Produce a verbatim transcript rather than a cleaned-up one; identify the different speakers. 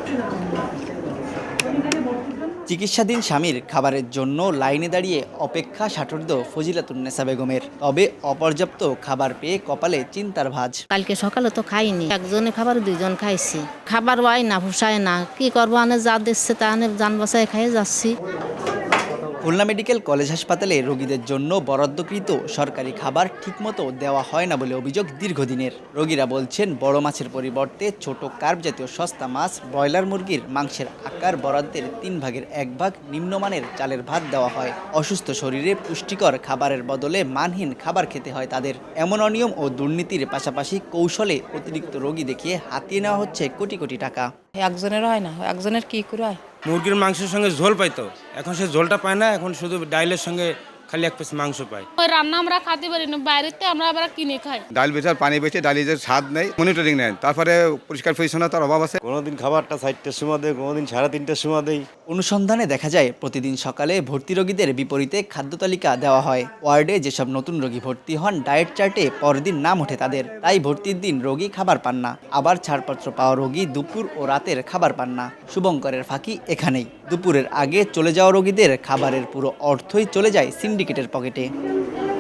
Speaker 1: চিকিৎসাধীন স্বামীর খাবারের জন্য লাইনে দাঁড়িয়ে অপেক্ষা ষাটোর্ধ্ব ফজিলাতুন্নেসা বেগমের। তবে অপর্যাপ্ত খাবার পেয়ে কপালে চিন্তার ভাঁজ।
Speaker 2: কালকে সকালে তো খাইনি, একজনে খাবার দুইজন খাইছি। খাবার ওয়াই না পোষায় না, কি করবো, আনে যা দিচ্ছে তা আনে যান বাসায় খাইয়ে যাচ্ছি।
Speaker 1: খুলনা মেডিকেল কলেজ হাসপাতালে রোগীদের জন্য বরাদ্দকৃত সরকারি খাবার ঠিকমতো দেওয়া হয় না বলে অভিযোগ দীর্ঘদিনের। রোগীরা বলছেন, বড় মাছের পরিবর্তে ছোট কার্প জাতীয় সস্তা মাছ, ব্রয়লার মুরগির মাংসের আকার বরাদ্দের তিন ভাগের এক ভাগ নিম্নমানের চালের ভাত দেওয়া হয়। অসুস্থ শরীরে পুষ্টিকর খাবারের বদলে মানহীন খাবার খেতে হয় তাদের। এমন অনিয়ম ও দুর্নীতির পাশাপাশি কৌশলে অতিরিক্ত রোগী দেখিয়ে হাতিয়ে নেওয়া হচ্ছে কোটি কোটি টাকা।
Speaker 3: একজনের হয় না, একজনের কি করে হয়?
Speaker 4: মুরগির মাংসের সঙ্গে ঝোল পাইতো, এখন সে ঝোলটা পায় না, এখন শুধু ডাইলের সঙ্গে খালি এক পিস মাংস পায়।
Speaker 5: ওই রান্না আমরা খেতে পারি না, বাইরেতে আমরা আবার কিনে খাই।
Speaker 6: ডাল বেচার পানি বেচে ডালি যে স্বাদ নেই, মনিটরিং নেই, তারপরে পরিষ্কার পরিচ্ছন্নতার অভাব আছে।
Speaker 7: কোনোদিন খাবারটা চারটের সময় দেয়, কোনোদিন সাড়ে তিনটের সময় দেয়।
Speaker 1: অনুসন্ধানে দেখা যায়, প্রতিদিন সকালে ভর্তি রোগীদের বিপরীতে খাদ্য তালিকা দেওয়া হয়। ওয়ার্ডে যেসব নতুন রোগী ভর্তি হন, ডায়েট চার্টে পরদিন নাম ওঠে তাদের। তাই ভর্তির দিন রোগী খাবার পান না। আবার ছাড়পত্র পাওয়া রোগী দুপুর ও রাতের খাবার পান না। শুভঙ্করের ফাঁকি এখানেই। দুপুরের আগে চলে যাওয়া রোগীদের খাবারের পুরো অর্থই চলে যায় সিন্ডিকেটের পকেটে।